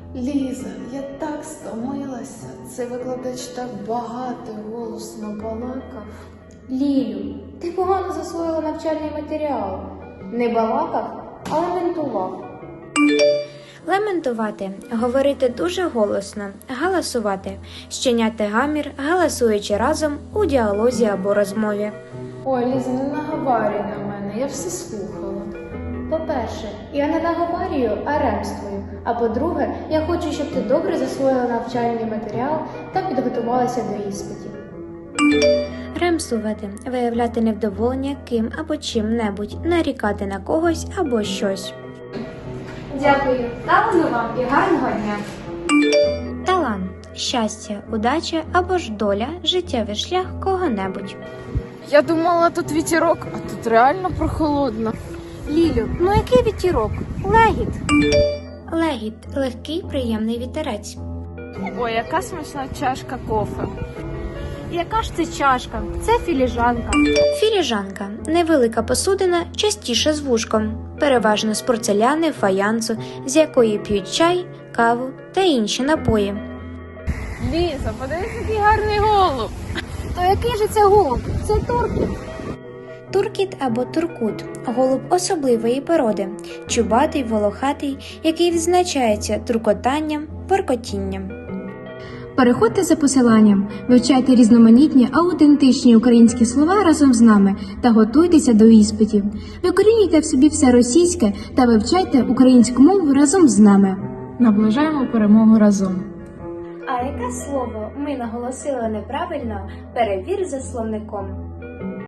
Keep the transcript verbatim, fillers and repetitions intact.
Ліза, я так стомилася. Цей викладач так багато і голосно балакав. Лілю, ти погано засвоїла навчальний матеріал. Не балакав, а лементував. Лементувати – говорити дуже голосно, галасувати, щиняти гамір, галасуючи разом у діалозі або розмові. Ой, Ліза, не наговарюй на мене, я все слухала. По-перше, я не наговарюю, а ремствую. А по-друге, я хочу, щоб ти добре засвоїла навчальний матеріал та підготувалася до іспитів. Ремствувати – виявляти невдоволення ким або чим-небудь, нарікати на когось або щось. Дякую, талану вам і гарного дня! Талант – щастя, удача або ж доля, життєвий шлях кого-небудь. Я думала, тут вітерок, а тут реально прохолодно. Лілю, ну який вітірок? Легіт! Легіт – легкий, приємний вітерець. Ой, яка смачна чашка кофе. Яка ж це чашка? Це філіжанка. Філіжанка – невелика посудина, частіше з вушком, переважно з порцеляни, фаянсу, з якої п'ють чай, каву та інші напої. Ліза, подивись, який гарний голуб. То який же це голуб? Це туркіт. Туркіт або туркут – голуб особливої породи, чубатий, волохатий, який відзначається туркотанням, воркотінням. Переходьте за посиланням, вивчайте різноманітні аутентичні українські слова разом з нами та готуйтеся до іспитів. Викорінюйте в собі все російське та вивчайте українську мову разом з нами. Наближаємо перемогу разом. А яке слово ми наголосили неправильно, перевір за словником.